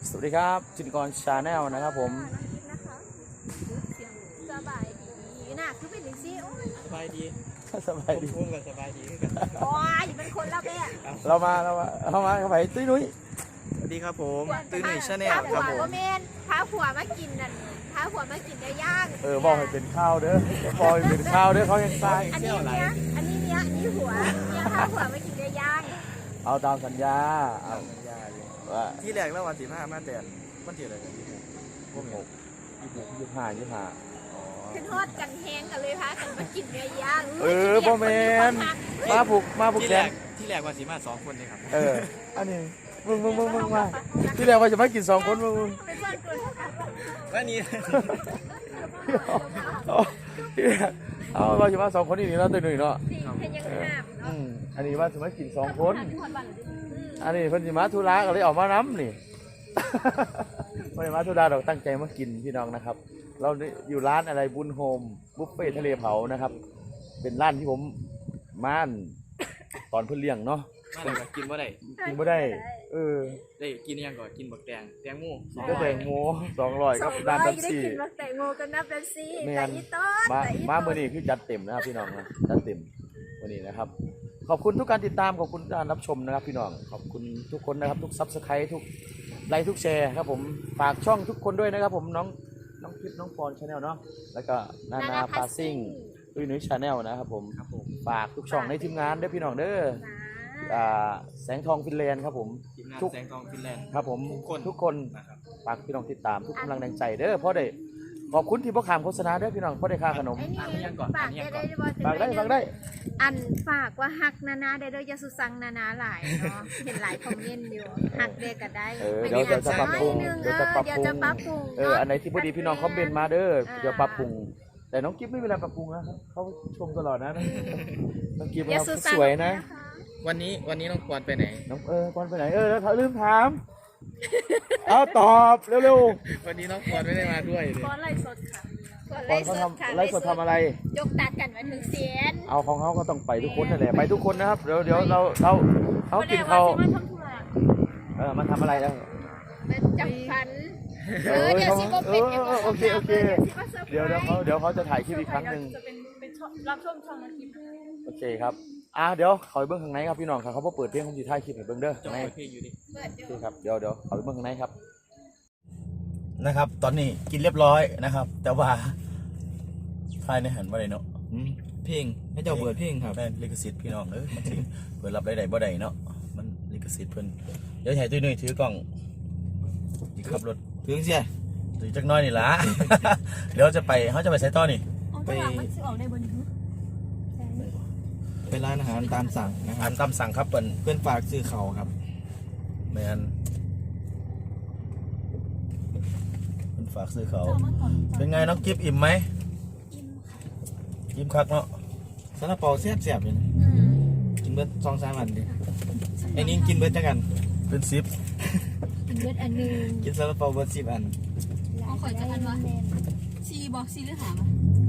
สวัสดีครับจินกรชาแนลนะครับผมสบายดีน่ะคือเป็นสิโอ้ยสบายดีสบายดีพุ่งกันสบายดีกันโอ้ยเป็นคนละแบบเรามาไปตุ้ยนุ้ยสวัสดีครับผมตื่นหนึ่งชาแนลครับผมว่าเมนพาผัวมากินนั่นพาผัวมากินได้ย่างบอกให้เป็นข้าวเด้อบอกให้เป็นข้าวเด้อเขายังตายอันนี้เนี้ยอันนี้หัวเนี่ยพาผัวมากินได้ย่างเอาตามสัญญาเอายาอยู่ว่าที่แรกแล้ววัน15มาแต่วันที่อะไรกันพวก 26 หก 25 ขึ้นทอดกันแห้งกันเลยพากันมากินได้ย่างพ่อแมนมาผูกแขนที่แรกวัน15 2 คนเลยครับอันนี้มึงมาที่แรกว่าจะมากิน2 คนมึงเป็นคนกลุ่มวันนี้เอาว่าจะมา2 คนนี่เนาะตุ้ยนุ้ยเนาะสี่เพนยังห้ามเนาะอันนี้ว่าจะมากิน2 คนอันนี้เพิ่นสิมาธุระก็เลยออกมาน้ำนี่ ไม่ได้มาธุระเราตั้งใจมากินพี่น้องนะครับ เราอยู่ร้านอะไรบุญโฮมบุฟเฟ่ทะเลเผานะครับ เป็นร้านที่ผมม่านตอนเพิ่นเลี้ยงเนาะมาเลยกินว่าได้กินไม่ได้ได้กินยังก่อนกินบักแตงโมก็แตงโม200ครับร้านตับซี่ได้กินมาแต่งโมกันนับเป็นซี่แม่แต่นอีต้นมาแต่อีมาต้เมื่อน นี้คือจัดเต็มนะครับพี่น้องนะจัดเต็มวันนี้นะครับ ขอบคุณทุกการติดตามขอบคุณการรับชมนะครับพี่น้องขอบคุณทุกคนนะครับทุกซับสไครต์ทุกไลค์ทุกแชร์ครับผมฝากช่องทุกคนด้วยนะครับผมน้องคลิปน้องปอนชาแนลเนาะแล้วก็นาพาซิ่งตุ้ยนุ้ยชาแนลนะครับผมครับผมฝากทุกช่องในทีมงานด้วยพี่น้องเด้อแสงทองฟินแลนด์ครับผมทีมงานทุกแสงทองฟินแลนด์ครับผมทุกคนทุกคนนะครับฝากพี่น้องติดตามทุกกำลังแรงใจเด้อเพราะได้ขอบคุณที่พ่อขามโฆษณาเด้อพี่น้องเพราะได้ค่าขนมไอ้นี่อันนี้ยังก่อนฝากอันนี้ยังก่ได้อนได้บ่ฝากได้อันฝากว่าฮักนานาได้เด้อยาสุสังนานาหลายเนาะเห็นหลายคอมเมนต์อยู่ฮักเด็กก็ได้เดี๋ยวจะปรับปรุงเดี๋ยวจะปรับปรุงอันไหนที่พอดีพี่น้องคอมเมนต์มาเด้อเดี๋ยวปรับปรุง แต่น้องกิฟไม่มีอะไรปรับปรุงนะครับเขาชมตลอดนะน้องกิฟยาเขาสุสังสวยนะวันนี้น้องควรไปไหนน้องก่อนไปไหนแล้วเขาลืมถามเอาตอบเร็ววันนี้น้องควรไม่ได้มาด้วยเลยก้อนไล่สดค่ะๆก่อนเขาทำไลฟ์สดทำอะไรยกตัดกันมาถึงเสียนเอาของเขาก็ต้องไปทุกคนนั่นแหละไปทุกคนนะครับเดี๋ยวเราเขากินเขามาทำอะไรแล้วเป็นจับฟันเดี๋ยวสิบ่เป็นโอเคเดี๋ยวเขาจะถ่ายคลิปอีกครั้งหนึ่งจะเป็นรับชมช่องนาทีโอเคครับเดี๋ยวขอไปเบิ้งข้างในครับพี่น้องครับเขาเปิดเพลงผมจะถ่ายคลิปให้เบิ้งเด้อจงในเปิดเพลงอยู่ดิเปิดโออยู่เคครับเดี๋ยวขอไปเบิ้งข้างในครับนะครับ ตอนนี้กินเรียบร้อยนะครับ แต่ว่าถ่ายในหันบ่ได้เนาะเพลงให้เจ้าเปิดเพลงครับแม่นลิขสิทธิ์พี่น้องมันสิเปิดรับได้บ่ได้เนาะมันลิขสิทธิ์เพิ่นเดี๋ยวให้ตุ้ยนุ้ยถือกล้องสิขับรถถึงเสียถือจักหน้อยนี่ล่ะ เดี๋ยวเขาจะไปใส่ต่อนี่ไป ไปร้านอาหารตามสั่งนะคอารับหารตามสั่งครับเปิ้นเพื่อนฝากซื้อเขาครับแม่นเพิ่นฝากซื้อเขาเป็นไงน้องกิฟอิ่มไหมอิ่มคักเนาะซาลาเปาแซ่บๆเลยนะกินเบิร์ด2-3 อันดิไอ้นี่กินเบิร์ดจังกันเป็นซิปกินเบิดอันนึงกินซาลาเปาเบิร์ด10 อันเอาข่อยจะอันวะซีบอกซีหรือหาม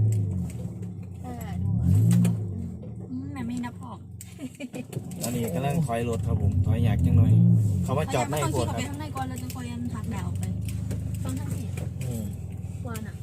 แม่ไม่นับออกตอนนี้กำลังถอยรถครับผมถอยอยากจังหน่อย เขาว่าจอดไม่ต้องโคขี่ตรออกคไปรับข้างในก่อนเราจะคอยยันหักแดดออกไปต้องทำสิอืมวานอ่ะ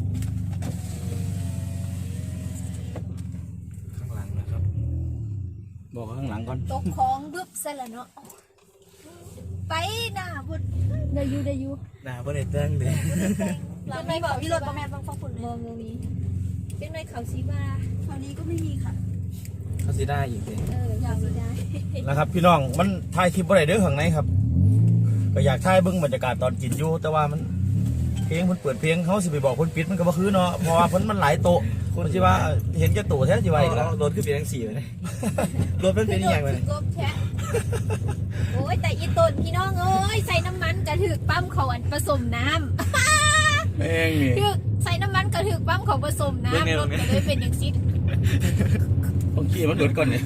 ข้างหลังนะครับบอกข้างหลังก่อนตกของบึ๊บเสร็จแล้วเนาะไปหน้าบุดได้ยูหน้าเพื่อนเต้งเลยเราไม่บอกพี่รถประมาณบางฟังฝุ่นเลยมองตรงนี้เป็นไรเขาซีบ้าคราวนี้ก็ไม่มีค่ะเขาสิได้อีกเลยอยากได้นะครับพี่น้องมันถ่ายคลิปบ่ได้เด้อข้างในครับก็อยากถ่ายเบิ่งบรรยากาศตอนกินอยู่แต่ว่ามันเพลงเพิ่นเปิดเพลงเขาสิไปบอกคนปิดมันก็บ่คือเนาะเพราะว่าเพิ่นมันหลายโต๊ะคนสิว่าเห็นแก่โต๊ะแท้สิว่าอีกแล้วรถขึ้นเป็นทั้ง4เลย รถเป็นเป็นอย่างไรกบแชะโอ้ยแต่อีต้นพี่น้องเอ้ยใส่น้ำมันกระถึกปั๊มเขาอันผสมน้ำเองนี่ถึกใส่น้ำมันกระถึกปั๊มเขาผสมน้ำรถก็เลยเป็นอย่างซิดต้องขี่มันหลุดก่อนเนี่ย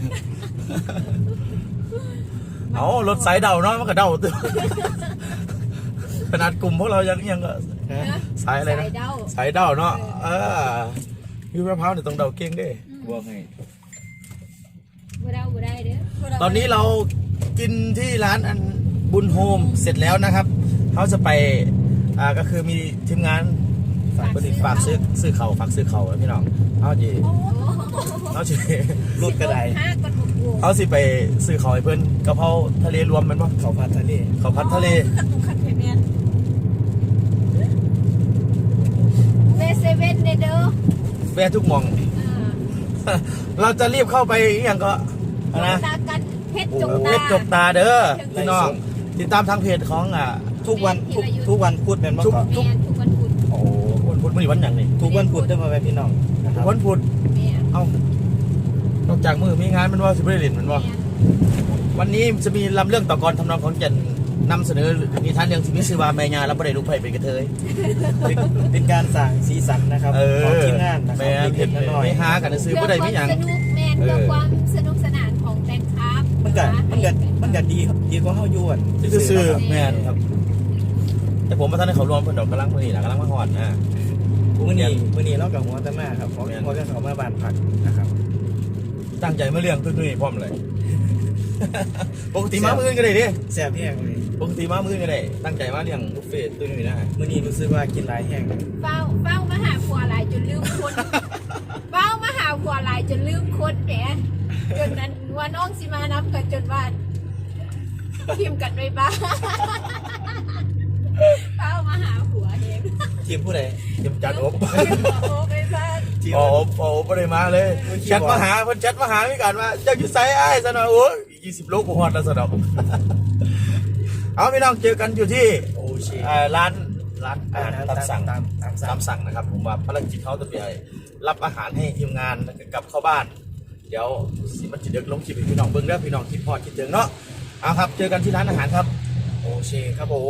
เอารถสายเดาเนาะมันก็เดาตัวขนาดกลุ่มพวกเรายังก็สายอะไรนะใส่เดาสายเดาเนาะพี่มะพร้าวเนี่ยต้องเดาเก่งเด้บอกให้บ่เดาบ่ได้เด้อตอนนี้เรากินที่ร้านอันบุญโฮมเสร็จแล้วนะครับเขาจะไปก็คือมีทีมงานฝากซื้อเขาฝากซื้อเขาพี่น้องเขาจะรูดกระไดห้ากันหมดวงเขาสิไปซื้อเขาให้เพื่อนกะเพราทะเลรวมมันป่ะเขาพัดทะเลขัดตุกขัดเพเมียนเวเซเว่นเด้อแวะทุกหมอง เราจะรีบเข้าไปอย่างก็นะตากันเพชรจงเพตาชรจกตาเด้อพี่น้องติดตามทางเพจของทุกวันพุธเป็นป่ะแมนทุกวันพุธโอ้วันพุธวันอย่างนี้ทุกวันพุธได้มาไปพี่น้องวันพุธแมนเอ้านอกจากมือมีงานมันว่าสิบได้เล่นมันว่า วันนี้จะมีลำเรื่องต่อกรทำนองของเจนนำเสนอนิทานเรื่องที่มีชื่อว่าแม่ยาและบ่ได้ลูกไผ่เป็นกระเทยเป็นการสั่งสีสันนะครับของทีมงานนะครัแม่บเห็นน้อยไม่หากันซื้อบ่ได้ไม่หยังสนุกแมนเพื่อความสนุกสนานของแฟนคลับมันก็ดีกว่าเฮาอยู่อ่ะซื่อๆแม่นครับแต่ผมมาท่านให้เขารวมเพิ่นดอกกำลังมื้อนี้ล่ะกำลังมาฮอดนะมื้อนี้เรากับหัวตะมาครับของหัวกันเขามาบ้านพักนะครับตั้งใจมาเรื่องตุ้ยๆพร้อมเลย ปกติมามื้ออื่นก็ได้ดิแซ่บแห้งเลยปกติมามื้ออื่นก็ได้ตั้งใจมาเรื่องบุฟเฟ่ตุ้ยๆนะมื้อนี้รู้สึกว่ากินหลายแห้งเฝ้ามาหาผัวหลายจนลืมคนเฝ้ามาหาผัวหลายจนลืมคนแหมจนนั้นว่าน้องสิมานับกันจนว่าพิมพ์กันไว้บ้างเฝ้ามาหาผัวเองทีมผู้ใดเตรียมจัดอบโอ้ไปบ้านโอ้บ่ได้มาเลยแชทมาหาเพิ่นแชทมาหาพี่กันว่าเจ้าอยู่ไสอ้ายซะหน่อยโอ้ย20 โลกูฮอดแล้วซะดอก เอาพี่น้องเจอกันอยู่ที่โอเชร้านอาหารตามสั่งตามตาสั่งมสั่งนะครับผมว่าภารกิจเขาจะไปรับอาหารให้ทีมงานแล้วก็กลับเข้าบ้าน เดี๋ยวสิมันจะเดึกลงคลิปให้พี่น้องเบิ่งเด้อพี่น้องคิดพอดคิดถึงเนาะเอาครับเจอกันที่ร้านอาหารครับโอเชครับผม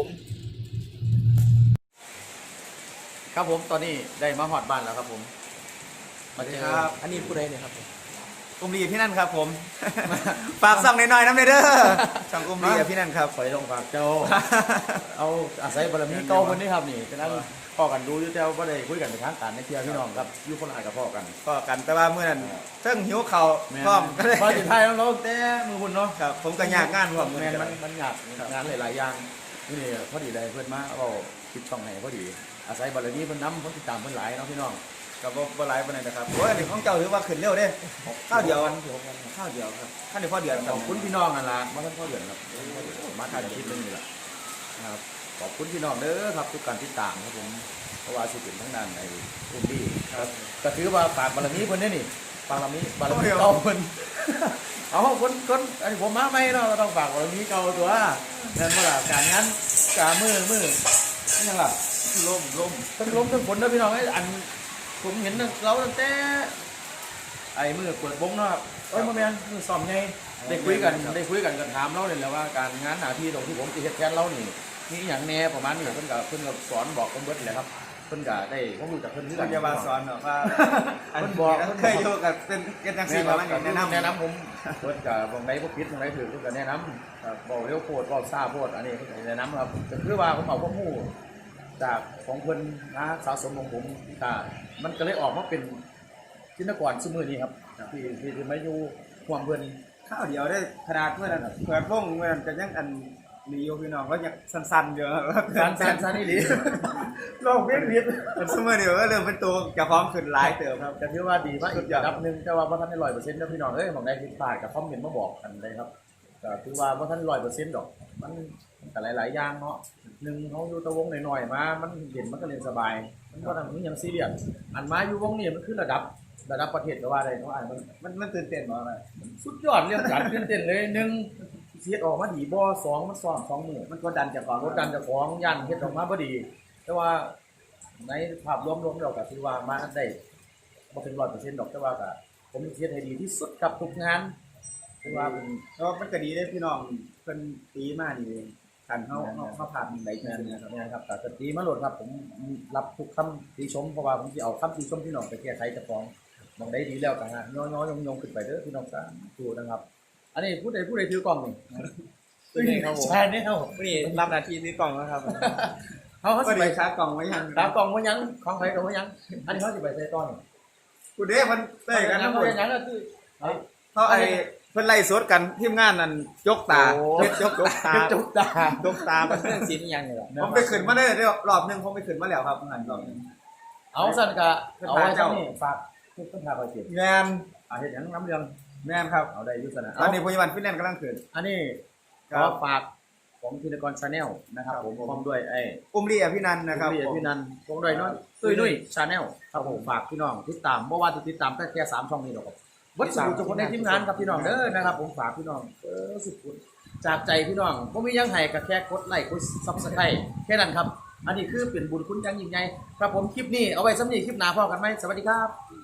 ครับผมตอนนี้ได้มาฮอดบ้านแล้วครับผมมาเจออันนี้ผู้ใดเนี่ยครับกลุ่มดีพี่นั่นครับผม ฝากส่องหน่อยๆน้ำเด้อช่องกลุ่มดีพี่นั่นครับขอยลงฝากเจ้า เอาอาศัยบารมีเก่าคนนี้ครับนี่ฉะนั้นพ่อกันดูอยู่แต่ว่าบ่ได้คุยกันเป็นทางการในเที่ยวพี่น้องครับอยู่คนละกับพ่อกันก็กันแต่ว่าเมื่อนั้นเพิ่งหิวเข่าพร้อมก็เลยพอสุดท้ายแล้วเราแต่มือหุ่นเนาะครับผมก็ยากงานพร้อมแมนมันยากงานหลายๆอย่างนี่พอดีได้เพื่อนมาเอาคิดช่องไหนพอดีอาศัยบารมีเพิ่นนำเพิ่นติดตามเพิ่นหลายเนาะพี่น้องกับบ่หลายปานใดนะครับโอ้ยอันนี้ของเจ้าถือว่าขึ้นเร็วเด้ข้าวเดียวข้าวเดียวครับข้าวเดียวพอเดือนขอบคุณพี่น้องนั่นล่ะมาท่านพ่อเดือนครับมาถ่ายคลิปนึงนี่แหละนะครับขอบคุณพี่น้องเด้อครับทุกการติดตามครับผมเพราะว่าสิเป็นทั้งนั้นไอ้อุ้มดีครับก็ถือว่าฝากบารมีเพิ่นนี่ฝากบารมีเก่าเพิ่นเอาคนอันนี้ผมมาใหม่เนาะก็ต้องฝากบารมีเก่าตัวนั่นบ่ล่ะการงานการมือนี่ยังล่ะล้มทั้งล้มทั้งฝนนะพี่น้องไอ้อันผมเห็นเราตั้งแต่ไอ้มือเปิดวงเนาะเอ้ยมาแม่นมือซ้อมไงได้คุยกันกันถามเราเลยแหละว่าการงานหน้าที่ตรงที่ผมสิเฮ็ดแทนเรานี่มีอหย่างแน่ประมาณนี้เพิ่นก็สอนบอกผมเบิดแหละครับเพิ่นก็ได้ผมรู้จักเพิ่นคือคุกัณนจะมาสอนเนาะว่าเพิ่นบอกเคยอยู่กับเป็นจังซี่ประมาณนี้แนะนำผมเพิ่นก็บ่ได้บ่ผิดบ่ได้ถูกเพิ่นก็แนะนำครับบอกเร็วโพดบอกซ่าโพดอันนี้เพิ่นก็แนะนำครับก็คือว่าผมเอาความรู้จากของเพิ่นนะสะสมของผมก็มันก็เลยออกมาเป็นจินตกรซุมื้อนี้ครับที่มาอยู่ห่วงเพิ่นข้าวเดียวได้ขนาดเมื่อนั้นเปิดวงเมื่อนั้นก็ยังอันมีอยู่พี่น้องก็ยังสั้นๆอยู่ครับสั้นๆนี่หลีลองเพี้ยนผิดสมัยเดียวก็เริ่มเป็นตัวจะพร้อมขึ้นหลายเติมครับก็ถือว่าดีมากอีกระดับหนึงแต่ว่าบ่ทันได้ 100%นะพี่น้องเอ้ยหม่องใดผิดพลาดก็คอมเมนต์มาบอกกันได้ครับก็ถือว่าบ่ทัน 100% ดอกมันก็หลายๆอย่างเนาะหนึ่งเฮาอยู่แตะวงหน่อยๆมามันเห็นมันก็เล่นสบายมันบ่ต้องมีหยังซีเรียสอันมาอยู่วงนี้มันคือระดับประเทศก็ว่าได้เพราะอ่านมันตื่นเต้นบ่อะไรสุดยอดเรื่องการตื่นเต้นเลยหนึ่งเฮ็ดออกมาดีบ่สองมันซ้อม2มื้อมันกดดันจากความกดดันเจ้าของยันเฮ็ดออกมาบ่ดี แต่ว่าในภาพรวมๆแล้วก็ถือว่ามาได้บ่ถึง 100% ดอกแต่ว่าก็ผมเฮ็ดให้ดีที่สุดกับทุกงานถือว่าเป็นแล้วมันก็ดีได้พี่น้องเพิ่นตีมานี่กันเขาผ่านได้จริงานงๆนะนะคครัรับบ นะครับแต่ดีมาโหลดครับผมรับทุกคำติชมเพราะว่าผมสิเอาคำติชมพี่น้องไปแก้ไขเจ้าของมองได้ดีแล้วก็ฮะย้อยๆยงๆขึ้นไปเด้อพี่น้องสาธุนะครับ อันนี้ผู้ใดถือกล้องนี่ ใช่เนี่ยวันนี้รับหน้าที่ซื้อกล่องแล้วครับเขาก็สิไปไปชาร์จกล่องไว้ยังตามกล่องว่ายังของใครกล่องว่ายังอันนี้เขาสิไปใส่ต้อนกูเด้มันได้กันนะนะเขาคุเป็นยังก็คือเขาไอ้เพิ่นไล่สดกันทีมงานนั่นยกตาโอ้เฮ็ดยกตาจุกตายกตามันเรื่องสินยังเลยเหรอผมไปขึ้นมาได้รอบหนึงผมไปขึ้นมาแล้วครับหันรอบหนึงเอาสั่นกะเอาไว้เจ้านี่ฝากทุกคนพาไปเก็บแมนเฮ็ดหยังน้ำเรื่องแมนครับเอาได้อยุสนะตอนนี้พยาบาลฟินแลนด์กำลังขึ้นอันนี้คขรัอบ ฝากของธินกรชาแนลนะครับผมพร้อมด้วยไอ้อุ้มลีอภินันท์นะครับพี่นันพร้อมด้วยน้อยตุ้ยชาแนลครับผมฝากพี่น้องติดตามบ่ว่าจะติดตามแต่แค่3ช่องนี้หรอกครับวัดสุทุกคนในทีมงานครับพี่น้องเด้อนะครับผมฝากพี่น้องสุดจากใจพี่น้องบ่มีหยังให้ก็แค่กดไลค์กด Subscribe แค่นั้นครับ อันนี้คือเป็นบุญคุณอยังยิ่งใหญ่ครับผมคลิปนี้เอาไว้สำหรับคลิปหน้าพอกันไหมสวัสดีครับ